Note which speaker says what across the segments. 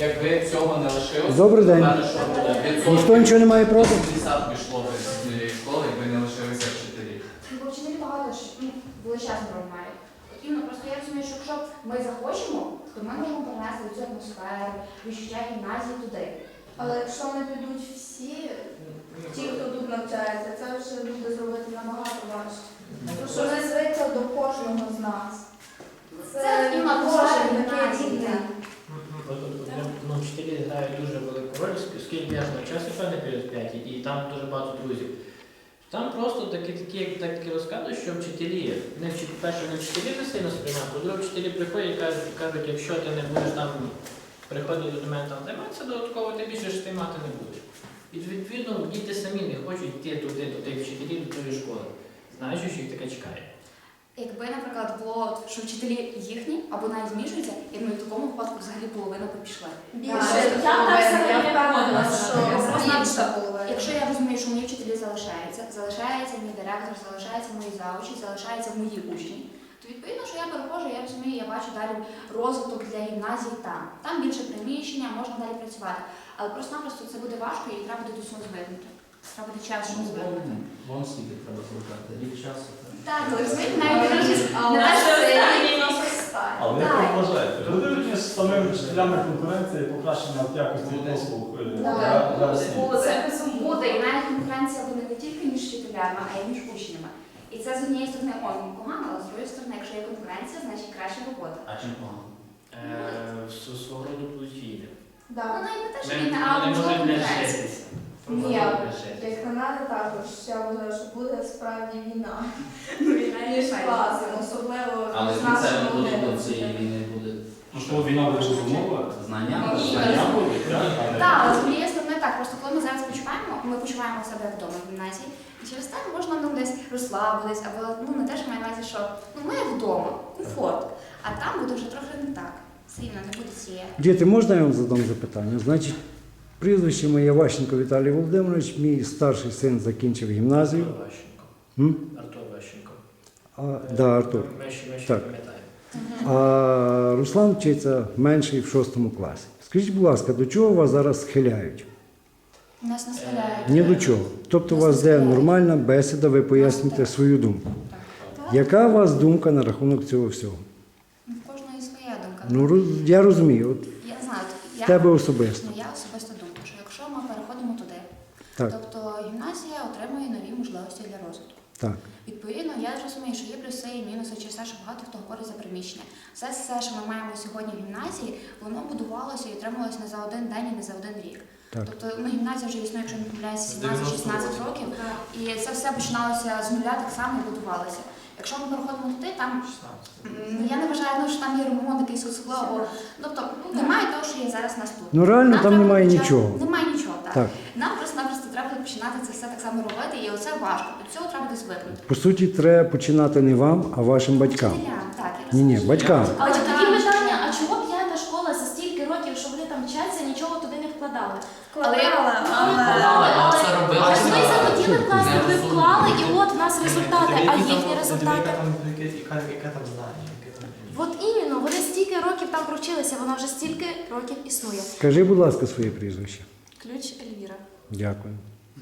Speaker 1: Якби цього не лишилося,
Speaker 2: Добрий день.
Speaker 1: що буде?
Speaker 2: Ніхто нічого не має проти?
Speaker 1: 50 пішло б з цієї школи, якби не лишилися вчителі.
Speaker 3: Бо вчителі багато ж величезну роль мають. Потрібно просто я розумію, що якщо ми захочемо, то ми можемо перенести цю атмосферу, відчуття гімназії туди.
Speaker 4: Але якщо не підуть всі, ті, хто тут навчається, це вже буде зробити набагато важче. Тому що не звикли до кожного з нас.
Speaker 3: Це на кожен такий рівня.
Speaker 5: Вчителі грають дуже велику роль, оскільки я ж навчався певний період 5, і там дуже багато друзів. Там просто такі розказують, що вчителі, перше, не вчителі не сильно сприймають, по-друге, вчителі приходять і кажуть, якщо ти не будеш там приходити до мене там займатися додатково, ти більше ж ти мати не будеш. І відповідно діти самі не хочуть йти туди, до тих вчителів, до тої школи, знаючи, що їх таке чекає.
Speaker 3: Якби, наприклад, було, що вчителі їхні або навіть змішуються, я думаю, в такому випадку взагалі половина б пішла.
Speaker 4: Більше, я впевнена, що більша половина.
Speaker 3: Якщо я розумію, що мої вчителі залишається мій директор, залишається мої завучі, залишаються мої учні, то відповідно, що я переходжу, я розумію, я бачу далі розвиток для гімназії там. Там більше приміщення, можна далі працювати. Але просто-напросто це буде важко і треба буде до цього звикнути. Треба буде час, щоб звикнути.
Speaker 1: Вон скільки треба звикати, рік часу.
Speaker 3: Так, але розумієте, навіть не те, що це
Speaker 6: Але як ви вважаєте, буде з самими вчителями конкуренція і покращення якості послуг для освіти?
Speaker 3: Буде, і навіть конкуренція буде не тільки між вчителями, а й між учнями. І це з однієї сторони погано, але з другої сторони, якщо є конкуренція, значить краща робота.
Speaker 1: А чим погано?
Speaker 5: Свого роду подвійне.
Speaker 3: Ну, навіть не те, що
Speaker 5: Вони
Speaker 3: війна, а можливо
Speaker 5: можуть не
Speaker 3: конкуренція.
Speaker 5: лишитися.
Speaker 4: Ні, як на мене також, я вважаю, що буде справді війна. Між класами, особливо
Speaker 7: Але
Speaker 4: з
Speaker 7: спеціально
Speaker 4: нашими
Speaker 7: продуктом
Speaker 4: дітьми.
Speaker 7: цієї війни буде
Speaker 6: Можливо, війна буде розумова?
Speaker 7: знання.
Speaker 6: Знання будуть, так?
Speaker 3: Так, але з однієї сторони так, просто коли ми зараз почуваємо, ми почуваємо себе вдома в гімназії, і через те можна нам десь розслабитись, або не те, що маю на увазі, що ми як вдома, комфорт, а там буде вже трохи не так. Все рівно не буде цієї.
Speaker 2: Діти, можна я вам задам запитання? Значить, прізвище моє Ващенко Віталій Володимирович, мій старший син закінчив гімназію.
Speaker 5: Артур Ващенко. Артур Ващенко.
Speaker 2: Да, Артур.
Speaker 5: Ми ще
Speaker 2: Так.
Speaker 5: пам'ятаємо.
Speaker 2: А Руслан вчиться менший в 6 класі. Скажіть, будь ласка, до чого вас зараз схиляють?
Speaker 3: Нас не схиляють.
Speaker 2: Ні до чого. Тобто у вас йде нормальна бесіда, ви поясните свою думку. Яка у вас думка на рахунок цього всього?
Speaker 3: В кожної своя думка.
Speaker 2: Ну, я розумію, от
Speaker 3: Я знаю,
Speaker 2: в тебе особисто.
Speaker 3: я особисто думаю, що якщо ми переходимо туди,
Speaker 2: Так,
Speaker 3: тобто гімназія отримує нові можливості для розвитку.
Speaker 2: так.
Speaker 3: Відповідно, я розумію, що є плюси і мінуси через те, що багато хто говорить за приміщення. Все, що ми маємо сьогодні в гімназії, воно будувалося і отрималося не за один день і не за один рік.
Speaker 2: Так.
Speaker 3: Тобто гімназія вже існує, якщо не помиляюся, 17-16 років, і це все починалося з нуля так само і будувалося. Якщо ми переходимо туди, там я не вважаю, що там є ремонт якийсь особливо. Тобто немає того, що є зараз нас тут.
Speaker 2: Ну реально
Speaker 3: Нам
Speaker 2: там
Speaker 3: треба
Speaker 2: немає
Speaker 3: почати-
Speaker 2: нічого.
Speaker 3: Немає нічого, так.
Speaker 2: Так.
Speaker 3: Нам просто-напросто треба буде починати це все так само робити, і оце важко. До цього треба буде звикнути.
Speaker 2: По суті, треба починати не вам, а вашим батькам.
Speaker 3: Вчителям, так, я
Speaker 2: Ні,
Speaker 3: розумію.
Speaker 2: батькам.
Speaker 8: Але тоді питання, а чого п'ята школа за стільки років, що вони там вчаться, нічого туди не вкладали?
Speaker 3: Але
Speaker 1: Це робили.
Speaker 8: Але ми захотіли класти, ви вклали, і от в нас результати, а їхні результати.
Speaker 5: Яке там знання?
Speaker 8: От іменно, вони стільки років там провчилися, вона вже стільки років існує.
Speaker 2: Скажи, будь ласка, своє прізвище.
Speaker 8: Ключ Ельвіра.
Speaker 2: Дякую.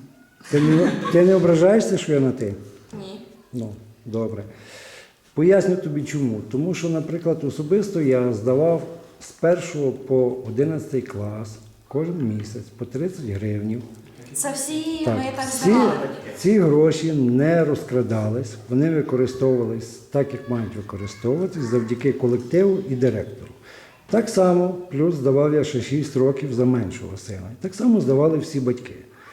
Speaker 2: Ти не ображаєшся, що я на ти?
Speaker 8: Ні.
Speaker 2: Ну, добре. Поясню тобі чому. Тому що, наприклад, особисто я здавав з 1 по 11 клас кожен місяць по 30 гривнів.
Speaker 8: Це всі
Speaker 2: Так,
Speaker 8: ми так
Speaker 2: ці,
Speaker 8: здавали.
Speaker 2: ці гроші не розкрадались, вони використовувались так, як мають використовуватись, завдяки колективу і директору. Так само, плюс здавав я ще 6 років за меншого сина. Так само здавали всі батьки.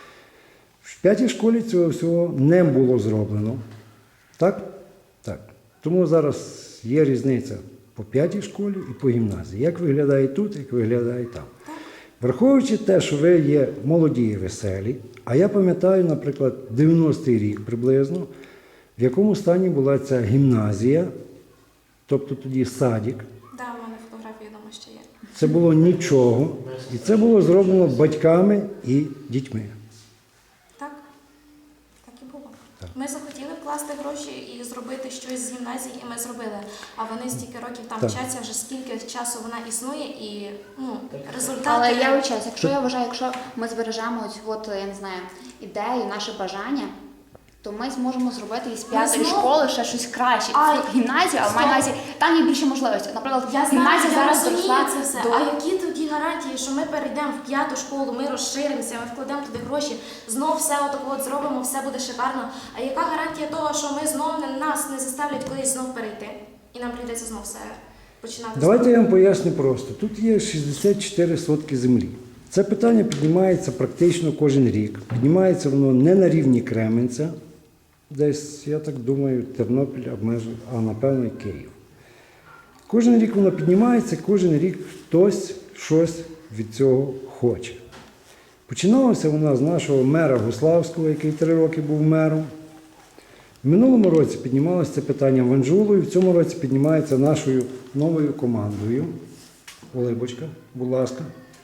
Speaker 2: В 5-й школі цього всього не було зроблено. Так? Так. Тому зараз є різниця по 5-й школі і по гімназії. Як виглядає тут, як виглядає там. Враховуючи те, що ви є молоді і веселі, а я пам'ятаю, наприклад, 90-й рік приблизно, в якому стані була ця гімназія, тобто тоді садик.
Speaker 8: Так, у мене фотографії вдома ще є.
Speaker 2: Це було нічого, і це було зроблено батьками і дітьми.
Speaker 8: Так? Так і було. Ми захотіли вкласти гроші і зробити. зробити щось з гімназії, і ми зробили. А вони стільки років там
Speaker 2: Так.
Speaker 8: вчаться, вже скільки часу вона існує, і результати.
Speaker 3: Але я вчусь, якщо ми збережемо от, я не знаю, ідею, наше бажання, то ми зможемо зробити із п'ятої
Speaker 8: знову-
Speaker 3: школи ще щось краще.
Speaker 8: А,
Speaker 3: Це гімназія, але
Speaker 8: стоп.
Speaker 3: маю на увазі, там є більше можливостей. Наприклад,
Speaker 8: Я знаю,
Speaker 3: гімназія
Speaker 8: я
Speaker 3: зараз
Speaker 8: розумію
Speaker 3: доросла
Speaker 8: це все.
Speaker 3: до...
Speaker 8: А які тоді гарантії, що ми перейдемо в 5-ту школу, ми розширимося, ми вкладемо туди гроші, знов все отако от зробимо, все буде шикарно. А яка гарантія того, що ми знов нас не заставлять кудись знов перейти? І нам прийдеться знов все починати.
Speaker 2: Давайте я вам поясню просто. Тут є 64 сотки землі. Це питання піднімається практично кожен рік. Піднімається воно не на рівні Кременця, десь, я так думаю, Тернопіль, а напевно і Київ. Кожен рік воно піднімається, кожен рік хтось щось від цього хоче. Починалося воно з нашого мера Гуславського, який 3 роки був мером. В минулому році піднімалося це питання Ванжулою, в цьому році піднімається нашою новою командою. Олибочка, будь ласка.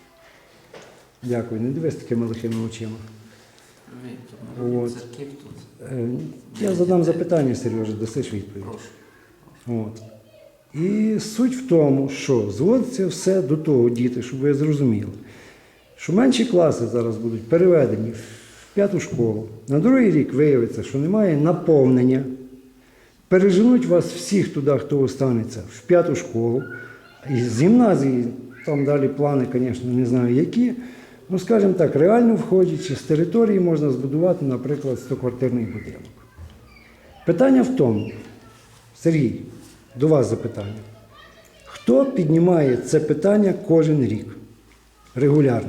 Speaker 2: Дякую, не дивись такими лихими очима. От. Я задам запитання, Сережа, дасиш відповідь. От. І суть в тому, що зводиться все до того, діти, щоб ви зрозуміли, що менші класи зараз будуть переведені в 5-ту школу. На другий рік виявиться, що немає наповнення. Переженуть вас всіх туди, хто останеться, в 5-ту школу. І з гімназії, там далі плани, звісно, не знаю які. Ну, скажімо так, реально входячи, з території можна збудувати, наприклад, 100-квартирний будинок. Питання в тому, Сергій, до вас запитання. Хто піднімає це питання кожен рік? Регулярно?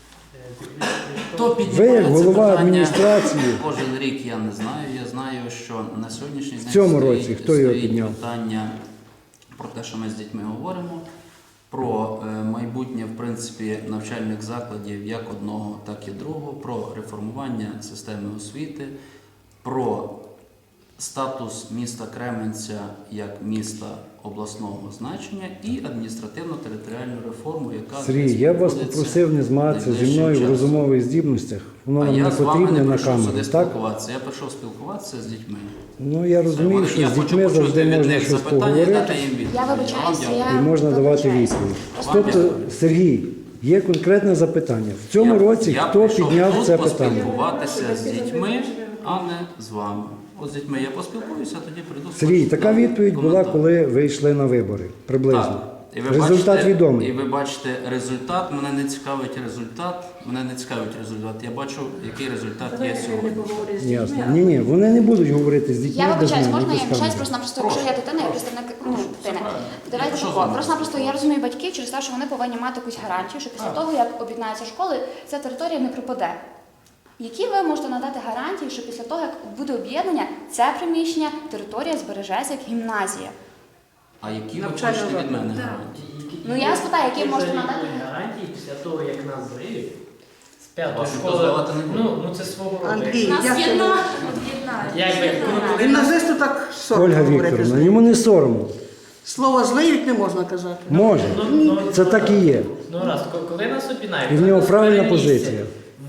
Speaker 7: Хто
Speaker 2: Ви,
Speaker 7: піднімає
Speaker 2: як
Speaker 7: це
Speaker 2: голова
Speaker 7: питання
Speaker 2: адміністрації,
Speaker 7: кожен рік, я не знаю. Я знаю, що на сьогоднішній день
Speaker 2: цьому році хто його
Speaker 7: стоїть
Speaker 2: підняв?
Speaker 7: питання про те, що ми з дітьми говоримо, про майбутнє, в принципі, навчальних закладів як одного, так і другого, про реформування системи освіти, про статус міста Кременця як міста обласного значення і адміністративно-територіальну реформу, яка
Speaker 2: Сергій, я вас
Speaker 7: відбудеться
Speaker 2: попросив не змагатися зі мною в
Speaker 7: найближчим часом.
Speaker 2: розумових здібностях. Воно
Speaker 7: А
Speaker 2: вам не
Speaker 7: я з вами
Speaker 2: потрібне
Speaker 7: не
Speaker 2: на
Speaker 7: прийшов
Speaker 2: камеру,
Speaker 7: сюди
Speaker 2: так?
Speaker 7: спілкуватися. Я прийшов спілкуватися з дітьми.
Speaker 2: Ну, я розумію, що
Speaker 7: Я
Speaker 2: з
Speaker 7: хочу
Speaker 2: дітьми
Speaker 7: почути
Speaker 2: завжди
Speaker 7: від
Speaker 2: можна
Speaker 7: них
Speaker 2: щось
Speaker 7: запитання і
Speaker 2: поговорити
Speaker 7: дати їм відповідь.
Speaker 3: Я вибачаюся,
Speaker 7: вам
Speaker 3: я
Speaker 2: і можна давати
Speaker 3: вибачаюся.
Speaker 2: відповідь.
Speaker 7: Вам
Speaker 2: Тобто,
Speaker 7: дякую.
Speaker 2: Сергій, є конкретне запитання. В цьому році
Speaker 7: я
Speaker 2: хто
Speaker 7: прийшов
Speaker 2: підняв
Speaker 7: тут
Speaker 2: це питання?
Speaker 7: поспілкуватися з дітьми, а не з вами. От з дітьми я поспілкуюся, а тоді прийду.
Speaker 2: Сергій, така відповідь була, коли ви йшли на вибори, приблизно.
Speaker 7: Так. І ви
Speaker 2: Результат
Speaker 7: бачите,
Speaker 2: відомий.
Speaker 7: І ви бачите результат. Мене не цікавить результат. Мене не цікавить результат. Я бачу, який результат є сьогодні.
Speaker 2: Ясно. Ні, вони не будуть говорити з дітьми.
Speaker 3: Я
Speaker 2: без
Speaker 3: вибачаюсь,
Speaker 2: мене,
Speaker 3: можна
Speaker 2: без
Speaker 3: я вибачаюсь
Speaker 2: камери.
Speaker 3: просто-напросто, якщо я дитина, я представник дитини. Давайте
Speaker 7: Що з
Speaker 3: тако.
Speaker 7: вами?
Speaker 3: Просто-напросто я розумію батьків через те, що вони повинні мати якусь гарантію, що після того, як об'єднаються школи, ця територія не пропаде. Які ви можете надати гарантії, що після того, як буде об'єднання, це приміщення, територія збережеться як гімназія?
Speaker 7: А які ви хочете від мене гарантії?
Speaker 3: Ну, я спитаю, які можете надати?
Speaker 5: гарантії після того, як нас зварили з 5-ї
Speaker 7: Вас ніхто
Speaker 5: школи.
Speaker 7: здавати не буде.
Speaker 5: Ну це свого роду.
Speaker 4: Андрій,
Speaker 8: Нас
Speaker 4: як ти можеш?
Speaker 5: Якби коли
Speaker 4: Гімназисту так соромно
Speaker 2: Ольга
Speaker 4: говорити
Speaker 2: Вікторовна,
Speaker 4: злий.
Speaker 2: йому не соромно.
Speaker 4: Слово злиють не можна казати.
Speaker 2: Може. Це так і є.
Speaker 5: Ну раз, коли нас об'єднають,
Speaker 2: І в нього
Speaker 5: нас
Speaker 2: правильна
Speaker 5: перемістять
Speaker 2: позиція.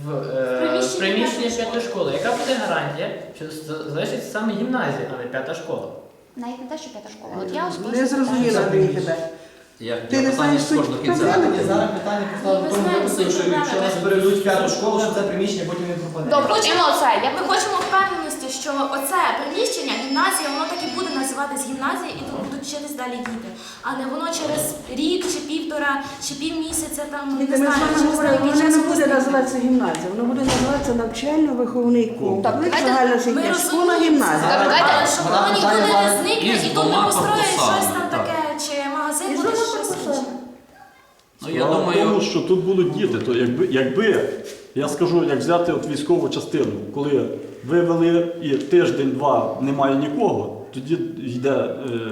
Speaker 5: В приміщення 5-ї школи. Яка буде гарантія, що залишиться саме гімназія, а не 5-та школа?
Speaker 3: Навіть не те, що п'ята школа. От я особисто
Speaker 4: Не зрозуміла Андрій тебе.
Speaker 7: Я
Speaker 4: Ти не
Speaker 7: питання
Speaker 4: знаєш
Speaker 7: з
Speaker 4: суть
Speaker 7: кожного кінця.
Speaker 4: проблеми?
Speaker 1: Зараз питання поставили в тому випадку, що якщо нас перейдуть в 5-ту школу, що це приміщення потім не пропаде.
Speaker 3: Добре, хочемо оце.
Speaker 8: Ми хочемо впевненості, що оце приміщення, гімназія, воно так і буде називатись гімназія, і тут будуть вчитись далі діти. А не воно через рік, чи півтора, чи півмісяця, там,
Speaker 4: Ми
Speaker 8: не
Speaker 4: з
Speaker 8: знаю,
Speaker 4: вами
Speaker 8: через
Speaker 4: говорили,
Speaker 8: деякий
Speaker 4: воно
Speaker 8: час
Speaker 4: не буде
Speaker 8: буде.
Speaker 4: називатися гімназія, воно буде називатися навчально-виховний комплекс,
Speaker 3: давайте-
Speaker 4: загальноосвітня
Speaker 8: Ми
Speaker 4: школа,
Speaker 8: розуміємо,
Speaker 4: гімназія.
Speaker 8: але щоб воно ніколи не зникне,
Speaker 7: Із
Speaker 8: і тут не
Speaker 7: двома
Speaker 8: построїть
Speaker 7: корпусами,
Speaker 8: щось там
Speaker 7: так.
Speaker 8: таке, чи магазин
Speaker 4: І
Speaker 8: буде
Speaker 4: знову
Speaker 8: щось
Speaker 4: корпусами.
Speaker 8: інше.
Speaker 7: Ну, я
Speaker 6: Справа в
Speaker 7: думаю,
Speaker 6: тому, що тут будуть діти, то якби я скажу, як взяти от військову частину, коли вивели і тиждень-два немає нікого, тоді йде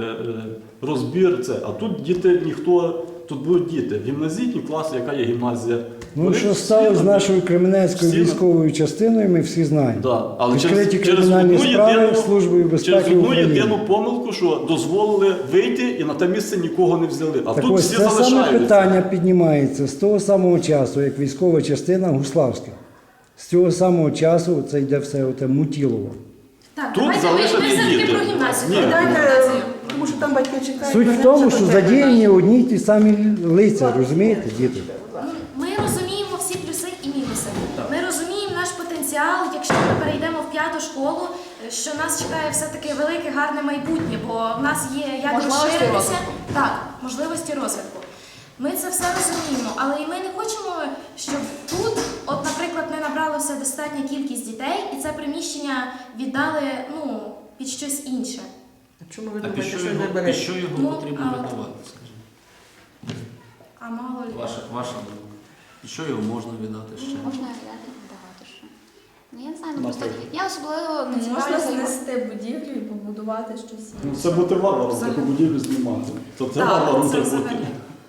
Speaker 6: розбір це. А тут діти ніхто, тут будуть діти. Гімназійні класи, яка є гімназія.
Speaker 2: Ну,
Speaker 6: Вони
Speaker 2: що
Speaker 6: всі
Speaker 2: стало з
Speaker 6: там-
Speaker 2: нашою Кременецькою
Speaker 6: всі-
Speaker 2: військовою частиною, ми всі знаємо.
Speaker 6: Да. Але
Speaker 2: Відкриті
Speaker 6: через
Speaker 2: кримінальні
Speaker 6: одну
Speaker 2: справи
Speaker 6: єдину-
Speaker 2: Службою безпеки
Speaker 6: через одну
Speaker 2: України.
Speaker 6: єдину помилку, що дозволили вийти і на те місце нікого не взяли. А
Speaker 2: Так
Speaker 6: тут
Speaker 2: ось
Speaker 6: всі
Speaker 2: це саме
Speaker 6: залишаються.
Speaker 2: питання піднімається з того самого часу, як військова частина Гуславська. З цього самого часу це йде все оте Мутілово.
Speaker 8: Так,
Speaker 6: Тут
Speaker 8: давайте
Speaker 6: залишені
Speaker 8: ми все-таки
Speaker 6: діти.
Speaker 8: про гімназію.
Speaker 6: Ні.
Speaker 8: Гімназію.
Speaker 9: Тому що там батьки чекають.
Speaker 2: Суть в тому, що задіяні одні й ті самі лиця, розумієте, діти?
Speaker 8: Ми розуміємо всі плюси і мінуси. Ми розуміємо наш потенціал, якщо ми перейдемо в 5-ту школу, що нас чекає все-таки велике, гарне майбутнє, бо в нас є як
Speaker 3: Можливості
Speaker 8: розширитися.
Speaker 3: розвитку.
Speaker 8: Так, можливості розвитку. Ми це все розуміємо, але і ми не хочемо, щоб тут, от, наприклад, ми набрали все достатня кількість дітей, і це приміщення віддали під щось інше.
Speaker 9: Чому ви
Speaker 7: А
Speaker 9: думаєте,
Speaker 7: під
Speaker 9: що
Speaker 7: що
Speaker 9: не
Speaker 7: його,
Speaker 9: берете?
Speaker 7: під що його
Speaker 8: Ну,
Speaker 7: потрібно
Speaker 8: а-
Speaker 7: видавати, скажімо?
Speaker 8: А мало ли.
Speaker 7: Ваша думка. Під що його можна віддати ще?
Speaker 3: Можна віддати багато що. Ну я не знаю, ну просто
Speaker 6: Наприклад.
Speaker 3: я особливо не
Speaker 4: Можна
Speaker 3: цікавлюся.
Speaker 4: знести будівлю і побудувати щось
Speaker 6: Ну,
Speaker 4: інше.
Speaker 6: це бути варваром, таку будівлю знімати. То це варваром
Speaker 8: це
Speaker 6: треба бути.
Speaker 8: взагалі.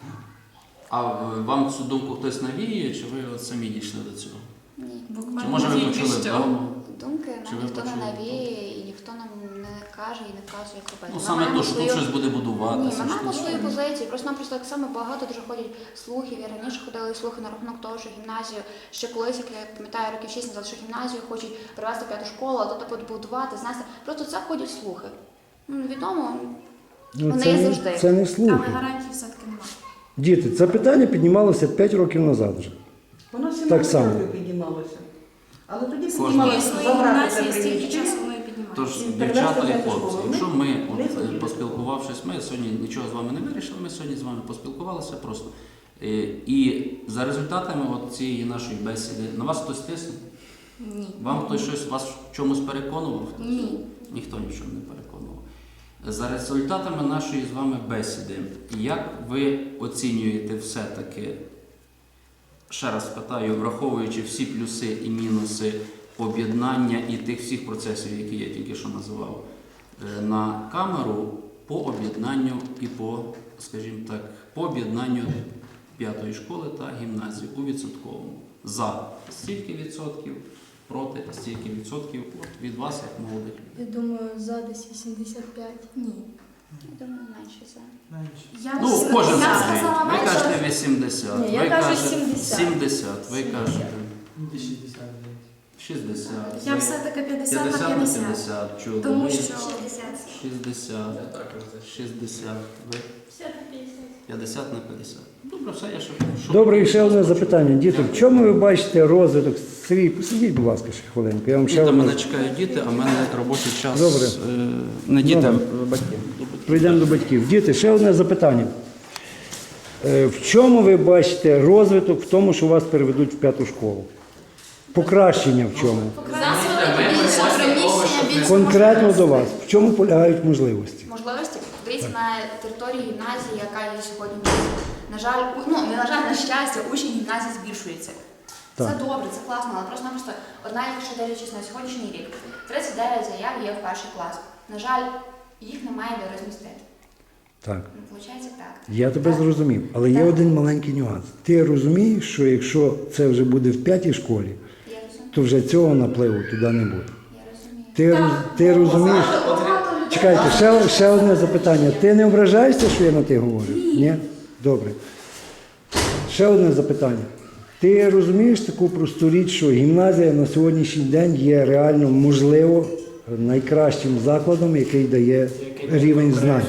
Speaker 7: А вам цю думку хтось навіює, чи ви от самі дійшли до цього?
Speaker 3: Ні.
Speaker 7: Чи може ви почули вдома?
Speaker 3: Думки
Speaker 7: Чи
Speaker 3: нам
Speaker 7: ви
Speaker 3: ніхто не
Speaker 7: почули?
Speaker 3: навіє і ніхто нам не каже і не вказує, як робити.
Speaker 7: Ну
Speaker 3: Ми
Speaker 7: саме
Speaker 3: маємо
Speaker 7: то, що тут
Speaker 3: свою-
Speaker 7: щось буде
Speaker 3: Ні,
Speaker 7: будуватися.
Speaker 3: ми
Speaker 7: що
Speaker 3: маємо
Speaker 7: тут-
Speaker 3: свою позицію. Просто нам просто так само багато дуже ходять слухів. Я раніше ходили слухи на рахунок того, що гімназію ще колись, як я пам'ятаю, років 6 назад, що гімназію хочуть привезти в 5-ту школу, а тут побудувати, знести. Просто це ходять слухи. Ну, відомо,
Speaker 2: Ну,
Speaker 3: вони
Speaker 2: це,
Speaker 3: є
Speaker 2: не,
Speaker 3: завжди.
Speaker 2: це не
Speaker 8: Але
Speaker 2: слухи.
Speaker 8: гарантій все-таки немає.
Speaker 2: Діти, це питання піднімалося 5 років назад вже.
Speaker 9: Воно
Speaker 2: Так
Speaker 9: 17
Speaker 2: само.
Speaker 9: років піднімалося. Але тоді
Speaker 7: Кожного.
Speaker 9: піднімалося
Speaker 8: Існує
Speaker 9: забрати це
Speaker 8: гімназія, стільки
Speaker 9: приміщення.
Speaker 8: часу воно і піднімається.
Speaker 7: Тож,
Speaker 9: І
Speaker 7: дівчата
Speaker 9: перевести
Speaker 7: і
Speaker 9: в
Speaker 7: хлопці,
Speaker 9: школу.
Speaker 7: якщо ми,
Speaker 9: Ми
Speaker 7: от,
Speaker 9: захотіли.
Speaker 7: поспілкувавшись, ми сьогодні нічого з вами не вирішили, ми сьогодні з вами поспілкувалися просто. І за результатами от цієї нашої бесіди, на вас хтось тиснув?
Speaker 8: Ні.
Speaker 7: Вам хтось щось вас в чомусь переконував?
Speaker 8: Ні.
Speaker 7: Ніхто нічого не переконував. За результатами нашої з вами бесіди, як ви оцінюєте все-таки, ще раз питаю, враховуючи всі плюси і мінуси об'єднання і тих всіх процесів, які я тільки що називав, на камеру по об'єднанню і по, скажімо так, по об'єднанню 5-ї школи та гімназії у відсотковому. За стільки відсотків, проти стільки відсотків от від вас, як молодих людей.
Speaker 4: Я думаю, за десь 85.
Speaker 8: Ні.
Speaker 3: Я думаю, менше за.
Speaker 8: Я
Speaker 7: Ну,
Speaker 8: б-
Speaker 7: кожен
Speaker 8: я б
Speaker 7: свій.
Speaker 8: сказала
Speaker 7: Ви
Speaker 8: менше.
Speaker 7: кажете 80,
Speaker 4: Ні, я
Speaker 7: ви
Speaker 4: кажу
Speaker 7: кажете
Speaker 4: 70.
Speaker 7: 70, ви кажете 60.
Speaker 8: Я
Speaker 7: ви
Speaker 8: все-таки 50 на
Speaker 7: 50 на
Speaker 8: 50.
Speaker 7: 50, чудо.
Speaker 8: Тому
Speaker 7: ви
Speaker 8: що
Speaker 7: 60, 60, ви 50 на 50. Добре, все, я що.
Speaker 2: Добре, і ще одне запитання. Діти, в чому ви бачите розвиток? Сергій, посидіть, будь ласка, ще хвилинку. Я вам ще
Speaker 7: Діти,
Speaker 2: одне...
Speaker 7: мене чекають діти, а в мене робочий час.
Speaker 2: Добре.
Speaker 7: Не діти,
Speaker 2: Добре.
Speaker 7: а батьки.
Speaker 2: Прийдемо до батьків. Діти, ще одне запитання. В чому ви бачите розвиток в тому, що вас переведуть в 5-ту школу? Покращення в чому?
Speaker 3: Більше приміщення, більше
Speaker 2: Конкретно до вас. В чому полягають можливості?
Speaker 3: можливості. Подивіться на території гімназії, яка є сьогодні. На жаль, не на жаль, на щастя, учні гімназії збільшуються. Це
Speaker 2: Так.
Speaker 3: добре, це класно, але просто одна, якщо дивлячись на сьогоднішній рік, 39 заяв є в перший клас. На жаль, їх немає де розмістити.
Speaker 2: Так.
Speaker 3: Виходить так.
Speaker 2: Я тебе зрозумів, але є один маленький нюанс. Ти розумієш, що якщо це вже буде в 5-й школі,
Speaker 3: Я розумію.
Speaker 2: то вже цього напливу туди не буде.
Speaker 3: Я розумію.
Speaker 2: Ти розумієш? Чекайте, ще одне запитання. Ти не ображаєшся, що я на ти говорю? Ні? Добре. Ще одне запитання. Ти розумієш таку просту річ, що гімназія на сьогоднішній день є реально, можливо, найкращим закладом, який дає рівень знань.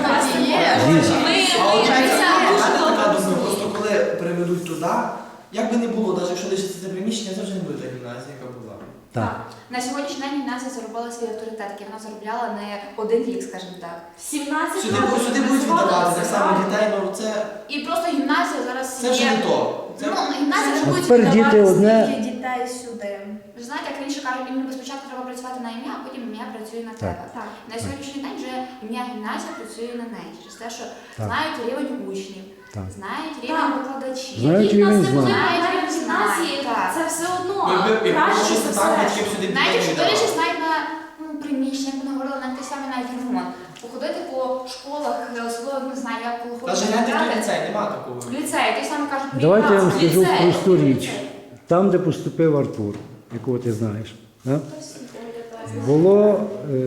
Speaker 1: Така думка, просто коли приведуть туди, як би не було, навіть якщо лишиться це приміщення, це вже не буде та гімназія, яка була.
Speaker 2: Так.
Speaker 3: На сьогоднішній день гімназія заробила свій авторитет, який вона заробляла не один рік, скажімо так.
Speaker 8: 17
Speaker 1: Сюди будуть віддавати так само дітей, ну це,
Speaker 3: І просто гімназія зараз
Speaker 1: це вже не то. Це,
Speaker 3: Ну, гімназія вже
Speaker 2: А
Speaker 3: будуть
Speaker 2: тепер діти
Speaker 3: віддавати.
Speaker 2: одне.
Speaker 4: Скільки дітей сюди?
Speaker 3: Ви знаєте, як раніше кажуть, іменно спочатку треба працювати на ім'я, а потім ім'я працює на тебе.
Speaker 8: Так.
Speaker 3: На сьогоднішній день вже ім'я гімназія працює на неї. Через те, що
Speaker 2: Так.
Speaker 3: знають рівень учнів,
Speaker 2: Так.
Speaker 3: знають рівень викладачів.
Speaker 2: Знають
Speaker 8: Які в нас
Speaker 2: рівень
Speaker 8: не були
Speaker 2: знань.
Speaker 8: навіть в гімназії,
Speaker 3: Так.
Speaker 8: це все одно
Speaker 1: якби
Speaker 8: краще
Speaker 1: щось
Speaker 8: за
Speaker 1: не так,
Speaker 8: все.
Speaker 1: батьків сюди
Speaker 3: Навіть якщо
Speaker 1: віддавати.
Speaker 3: дивлячись навіть на приміщення, як ми говорили, навіть те саме навіть ремонт. Походити по школах, особливо не знаю, як коли
Speaker 1: Навіть
Speaker 3: ходити
Speaker 1: гляньте,
Speaker 3: в
Speaker 1: який ліцей, нема такого.
Speaker 3: ліцей, ті самі кажуть,
Speaker 2: Давайте я вам
Speaker 3: ліцей,
Speaker 2: скажу просту
Speaker 3: ліцей.
Speaker 2: річ. Там, де поступив Артур, якого ти знаєш, да? було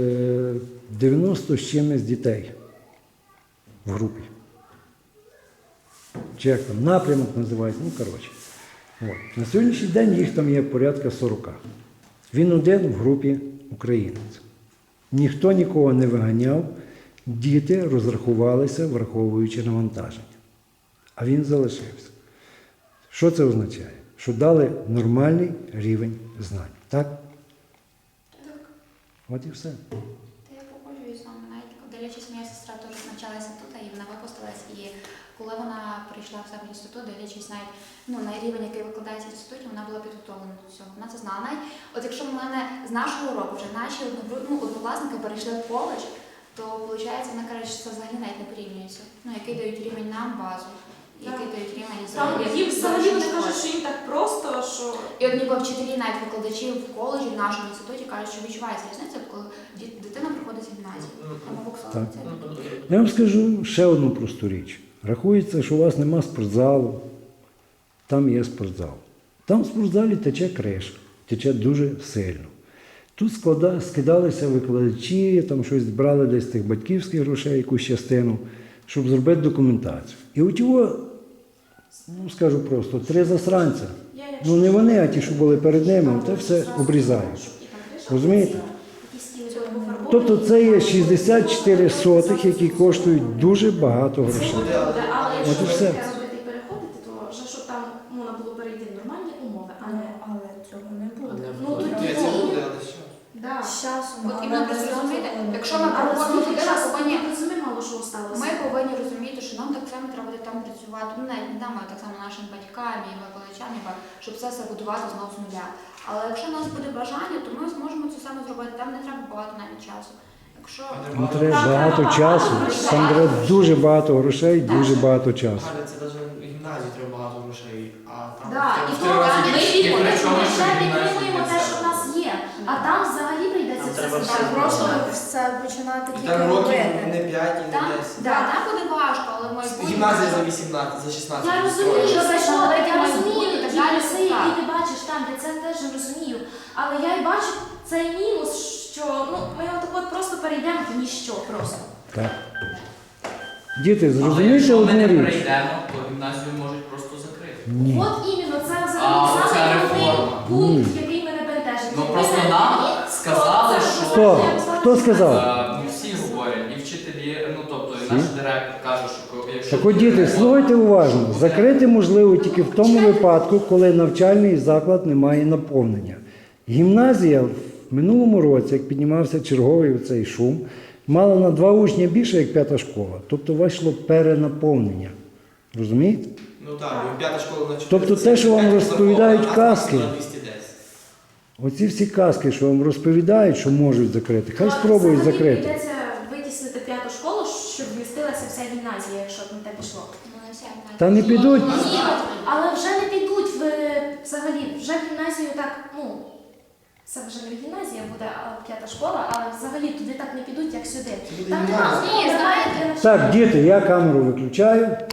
Speaker 2: 90 з чимось дітей в групі. Чи як там, напрямок називається, ну коротше. От. На сьогоднішній день їх там є порядка 40. Він один в групі українець. Ніхто нікого не виганяв, діти розрахувалися, враховуючи навантаження. А він залишився. Що це означає? Що дали нормальний рівень знань. Так? От і все.
Speaker 3: Та я погоджуюсь з вами, навіть дивлячись, моя сестра теж навчалася тут, і вона випустилась, і коли вона прийшла в себе в інститут, дивлячись навіть на рівень, який викладається в інституті, вона була підготовлена до цього. Вона це знала. Навіть от якщо в мене з нашого року вже наші однокласники перейшли в коледж, то виходить, вона каже, що це взагалі навіть не порівнюється. Який дають рівень нам базу, який дають рівень
Speaker 8: Їм взагалі вони кажуть, що їм так просто, що...
Speaker 3: І от ніби вчителі, навіть викладачі в коледжі, в нашому інституті кажуть, що відчувається різниця, коли дитина проходить гімназію. Або
Speaker 2: Так.
Speaker 3: це.
Speaker 2: Я вам скажу ще одну просту річ. Рахується, що у вас нема спортзалу, там є спортзал. Там в спортзалі тече криша, тече дуже сильно. Тут скидалися викладачі, там щось брали десь з тих батьківських грошей, якусь частину, щоб зробити документацію. І от його, скажу просто, 3 засранця. Не вони, а ті, що були перед ними, це все обрізають. Розумієте? Тобто це є 64 сотих, які коштують дуже багато грошей.
Speaker 8: Але
Speaker 2: От і
Speaker 8: якщо
Speaker 2: все.
Speaker 8: таке робити і переходити, то вже щоб там можна було перейти в нормальні умови, а не...
Speaker 4: Але цього не буде.
Speaker 8: Ну, тоді...
Speaker 1: Ні, це буде, але що?
Speaker 8: Да.
Speaker 4: З часом.
Speaker 3: От
Speaker 4: але
Speaker 3: іменно
Speaker 4: без
Speaker 3: просто розумієте,
Speaker 4: цього не
Speaker 3: якщо
Speaker 4: буде.
Speaker 3: ми
Speaker 8: Але
Speaker 3: проходимо
Speaker 8: скільки
Speaker 3: туди,
Speaker 8: часу,
Speaker 3: повинні
Speaker 8: ми розуміємо, мало що осталося.
Speaker 3: Ми повинні розуміти, що нам так само треба буде там працювати, навіть не нам, а так само нашим батькам і викладачам, щоб все будувати знову з нуля. Але якщо у нас буде бажання, то ми зможемо це саме зробити. Там не треба багато навіть часу. Якщо
Speaker 2: Там треба багато часу, там треба дуже багато грошей, дуже багато часу.
Speaker 1: Галя, це навіть в гімназії треба багато грошей, а там
Speaker 3: Да, і
Speaker 1: в
Speaker 3: то
Speaker 1: три рази
Speaker 3: ми
Speaker 1: більше.
Speaker 8: Ми
Speaker 1: Причому, що
Speaker 8: вже
Speaker 1: в гімназії
Speaker 8: підтримуємо те, що в нас є, а там взагалі прийдеться
Speaker 5: Там
Speaker 8: все
Speaker 5: треба
Speaker 8: зібрати.
Speaker 5: все
Speaker 4: Просто
Speaker 5: зробити.
Speaker 4: це починати
Speaker 1: І
Speaker 4: тільки
Speaker 1: там років
Speaker 4: робити.
Speaker 1: не 5 і не
Speaker 3: там,
Speaker 1: 10.
Speaker 3: там буде важко, але в майбутньому...
Speaker 1: Гімназія за 18, за 16.
Speaker 8: Я розумію,
Speaker 3: Що
Speaker 8: що
Speaker 3: зайшло,
Speaker 8: я
Speaker 3: велике
Speaker 8: розумію
Speaker 3: майбутнє,
Speaker 8: ті
Speaker 3: так далі,
Speaker 8: плюси,
Speaker 3: так.
Speaker 8: які ти бачиш там, я це теж розумію. Але я й бачу цей мінус, що ми отак просто перейдемо в ніщо просто.
Speaker 2: Так. Діти,
Speaker 10: Але
Speaker 2: зрозумійте
Speaker 10: якщо ми
Speaker 2: одну
Speaker 10: не
Speaker 2: річ.
Speaker 10: прийдемо, то гімназію можуть просто закрити.
Speaker 2: Ні.
Speaker 8: От іменно, це
Speaker 10: А,
Speaker 8: взагалі
Speaker 10: оця
Speaker 8: саме
Speaker 10: реформа.
Speaker 8: пункт, який мене бентежить.
Speaker 10: Ну
Speaker 8: Якби
Speaker 10: просто
Speaker 8: не
Speaker 10: нам
Speaker 8: було,
Speaker 10: сказали,
Speaker 8: то це
Speaker 10: що
Speaker 2: Хто? Хто сказав?
Speaker 10: всі говорять, і вчителі, тобто і наш директор каже, що якщо
Speaker 2: Так от, діти, слухайте уважно. Закрити можливо тільки в тому випадку, коли навчальний заклад не має наповнення. Гімназія в минулому році, як піднімався черговий цей шум, мала на 2 учня більше, як 5-та школа. Тобто вийшло перенаповнення. Розумієте?
Speaker 1: Ну так, бо 5-та школа на 4.
Speaker 2: Тобто те, що вам розповідають казки.
Speaker 1: На 210.
Speaker 2: Оці всі казки, що вам розповідають, що можуть закрити, хай спробують
Speaker 8: Взагалі
Speaker 2: закрити.
Speaker 8: прийдеться витіснити 5-ту школу, щоб вмістилася вся гімназія, якщо б не те пішло.
Speaker 2: Та не підуть.
Speaker 8: Ні, але вже не підуть взагалі, вже в гімназію так, це вже не гімназія буде, а 5-та школа, але взагалі туди так не підуть, як сюди.
Speaker 1: Це буде
Speaker 8: Там
Speaker 1: гімназія.
Speaker 8: немає
Speaker 3: Ні, знаєте,
Speaker 2: Так, діти, я камеру виключаю.